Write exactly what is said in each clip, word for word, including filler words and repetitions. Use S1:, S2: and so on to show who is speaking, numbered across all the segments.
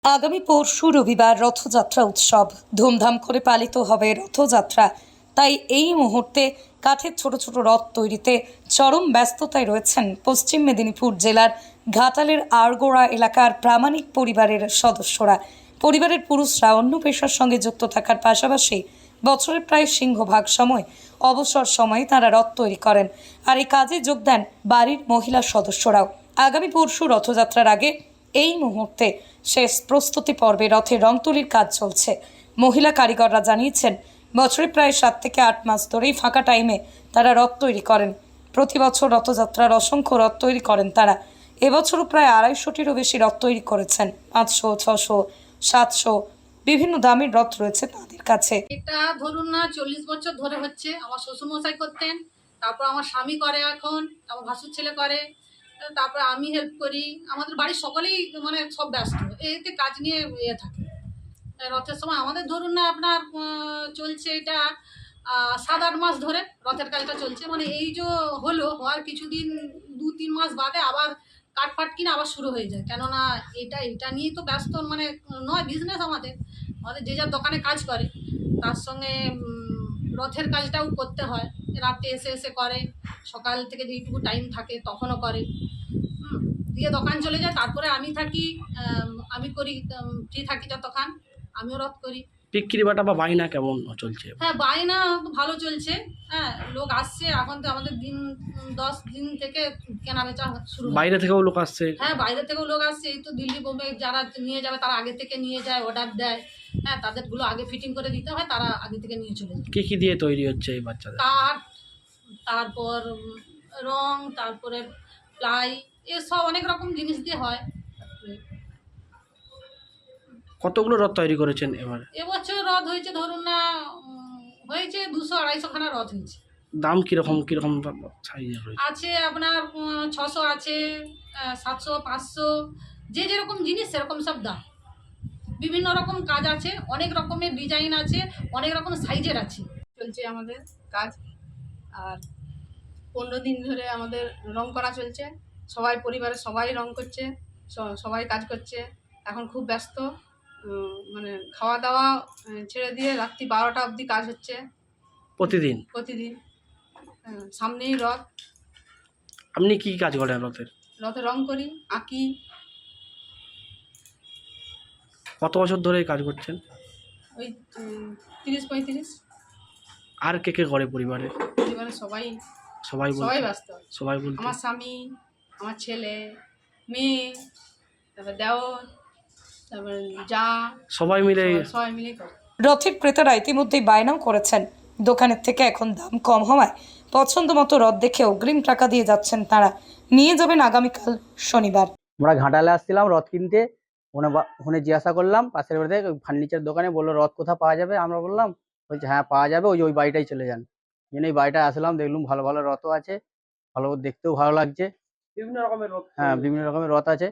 S1: আগামী পরশু রবিবার রথযাত্রা উৎসব ধুমধাম করে পালিত হবে রথযাত্রা। তাই এই মুহূর্তে কাঠের ছোট ছোট রথ তৈরিতে চরম ব্যস্ততায় রয়েছেন পশ্চিম মেদিনীপুর জেলার ঘাটালের আড়গোড়া এলাকার প্রামাণিক পরিবারের সদস্যরা। পরিবারের পুরুষরা অন্য পেশার সঙ্গে যুক্ত থাকার পাশাপাশি বছরের প্রায় সিংহভাগ সময় অবসর সময়ে তারা রথ তৈরি করেন, আর এই কাজে যোগ দেন বাড়ির মহিলা সদস্যরাও। আগামী পরশু রথযাত্রার আগে এই মুহূর্তে শেষ প্রস্তুতি পর্বে রথের রং তুলির কাজ চলছে। মহিলা কারিগররা জানিয়েছেন, বছরে প্রায় সাত থেকে আট মাস ধরেই ফাঁকা টাইমে তারা রথ তৈরি করেন। প্রতি বছর রথযাত্রার অসংখ্য রথ তৈরি করেন তারা। এবছরও প্রায় আড়াইশোটিরও বেশি রথ তৈরি করেছেন। পাঁচশো, ছশো, সাতশো বিভিন্ন দামের রথ রয়েছে তাদের কাছে।
S2: এটা ধরুন না চল্লিশ বছর ধরে হচ্ছে। আমার শ্বশুরমশাই করতেন, তারপর আমার স্বামী করে, এখন আমার ভাসুর ছেলে করে, তারপর আমি হেল্প করি। আমাদের বাড়ির সকলেই মানে সব ব্যস্ত এতে কাজ নিয়ে ইয়ে থাকে। রথের সময় আমাদের ধরুন না আপনার চলছে এটা সাত আট মাস ধরে রথের কাজটা চলছে। মানে এই যে হলো হওয়ার কিছুদিন দু তিন মাস বাদে আবার কাঠ ফাট কিনে আবার শুরু হয়ে যায়। কেননা এটা এটা নিয়েই তো ব্যস্ত, মানে নয় বিজনেস আমাদের আমাদের যে যার দোকানে কাজ করে, তার সঙ্গে রথের কাজটাও করতে হয়। রাতে এসে এসে করে, সকাল থেকে যেইটুকু টাইম থাকে তখনও করে, দিয়ে দোকান চলে যায়। তারপরে আমি থাকি, আমি করি, ফ্রি থাকি যতক্ষণ আমিও রথ করি।
S3: বিক্রি বাটা বা বায়না কেমন চলছে?
S2: হ্যাঁ, বায়না ভালো চলছে। হ্যাঁ, লোক আসছে। এখন তো আমাদের দিন দশ দিন থেকে কেনা বেচা শুরু।
S3: বাইরে থেকেও লোক আসছে?
S2: হ্যাঁ, বাইরে থেকেও লোক আসছে। এই তো দিল্লি বোম্বে যারা নিয়ে যাবে তারা আগে থেকে নিয়ে যায়, অর্ডার দেয়। হ্যাঁ, তাদেরগুলো আগে ফিটিং করে দিতে হয়, তারা আগে থেকে নিয়ে চলে যায়।
S3: কি কি দিয়ে তৈরি হচ্ছে এই বাচ্চাদের?
S2: কাঠ, তারপর রং, তারপরে প্লাই, এসব অনেক রকম জিনিস দিয়ে হয়।
S3: কতগুলো রথ তৈরি করেছেন এবার?
S2: এবছর রথ হয়েছে ধরুন না হয়েছে দুশো আড়াইশো খানা রথ হয়েছে।
S3: দাম কিরকম কিরকম সাইজের রয়েছে?
S2: আছে আপনার ছশো আছে, সাতশো, পাঁচশো, যে যেরকম জিনিস সেরকম সব দাম। বিভিন্ন রকম কাজ আছে, অনেক রকমের ডিজাইন আছে, অনেক রকম সাইজের আছে।
S4: চলছে আমাদের কাজ, আর পনেরো দিন ধরে আমাদের রং করা চলছে। সবাই পরিবারের সবাই রং করছে, সবাই কাজ করছে। এখন খুব ব্যস্ত, মানে খাওয়া দাওয়া ছেড়ে দিয়ে রাত্রি বারোটা অবধি কাজ হচ্ছে
S3: প্রতিদিন
S4: প্রতিদিন সামনেই রথ।
S3: আপনি কি কাজ করেন রথের?
S4: রথে রং করি, আঁকি।
S3: কত বছর ধরে কাজ করছেন?
S4: ওই তিরিশ পঁয়ত্রিশ।
S3: আর কে কে করে পরিবারে?
S4: পরিবারের সবাই
S3: সবাই
S4: সবাই ব্যস্ত।
S3: সবাই বলতে
S4: আমার স্বামী, আমার ছেলে, মেয়ে, তারপর দেওর, তারপর যা,
S3: সবাই মিলে
S4: সবাই মিলে করে।
S1: রথের ক্রেতারা ইতিমধ্যেই বায়নাও করেছেন। দোকানের থেকে এখন দাম কম হওয়ায় পছন্দ মতো রথ দেখে অগ্রিম টাকা দিয়ে যাচ্ছেন তারা। নিয়ে যাবেন আগামীকাল শনিবার।
S5: আমরা ঘাটালে আসছিলাম রথ কিনতে, ওখানে জিজ্ঞাসা করলাম পাশের বাড়িতে ফার্নিচার দোকানে, বললো রথ কোথা পাওয়া যাবে। আমরা বললাম, বলছে হ্যাঁ পাওয়া যাবে, ওই ওই বাড়িটাই চলে যান। জন্য এই বাড়িটায় আসলাম, দেখলাম ভালো ভালো রথও আছে, ভালো দেখতেও ভালো লাগছে।
S3: বিভিন্ন রকমের রথ?
S5: হ্যাঁ, বিভিন্ন রকমের রথ আছে।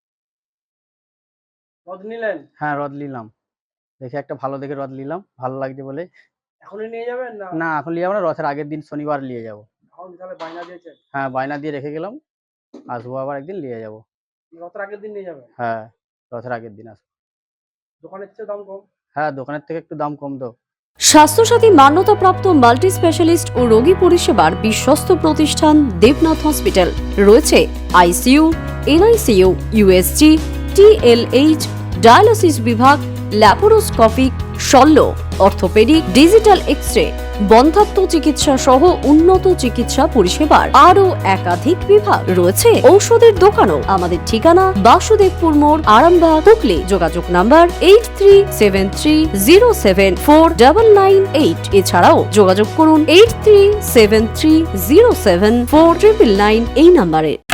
S3: রথ নিলেন?
S5: হ্যাঁ, রথ নিলাম, দেখে একটা ভালো দেখে রথ নিলাম, ভালো লাগছে বলে।
S3: এখনই নিয়ে যাবেন? না
S5: না, এখন নিয়ে যাবো না, রথের আগের দিন শনিবার নিয়ে যাবো।
S3: তাহলে বায়না দিয়েছেন?
S5: হ্যাঁ, বায়না দিয়ে রেখে গেলাম, আসবো আবার একদিন নিয়ে যাবো।
S3: রথের আগের দিন নিয়ে যাবেন?
S5: হ্যাঁ, রথের আগের দিন আসবো।
S3: দোকানের চেয়ে দাম কম?
S5: হ্যাঁ, দোকানের থেকে একটু দাম কম তো।
S6: স্বাস্থ্যসাথী মান্যতাপ্রাপ্ত মাল্টি স্পেশালিস্ট ও রোগী পরিষেবার বিশ্বস্ত প্রতিষ্ঠান দেবনাথ হসপিটাল। রয়েছে ICU, NICU, USG, TLH, dialysis বিভাগ, ল্যাপারোস্কোপিক, শল্য, অর্থোপেডিক, ডিজিটাল এক্স-রে, বন্ধ্যাত্ব চিকিৎসা সহ উন্নত চিকিৎসা পরিষেবার আরও একাধিক বিভাগ। রয়েছে ঔষধের দোকানও। আমাদের ঠিকানা বাসুদেবপুর মোড়, আরামবাগ, হুগলি। যোগাযোগ number eight three seven three zero seven four double nine eight. এছাড়াও যোগাযোগ করুন eight three seven three zero seven four triple nine এই নাম্বারে।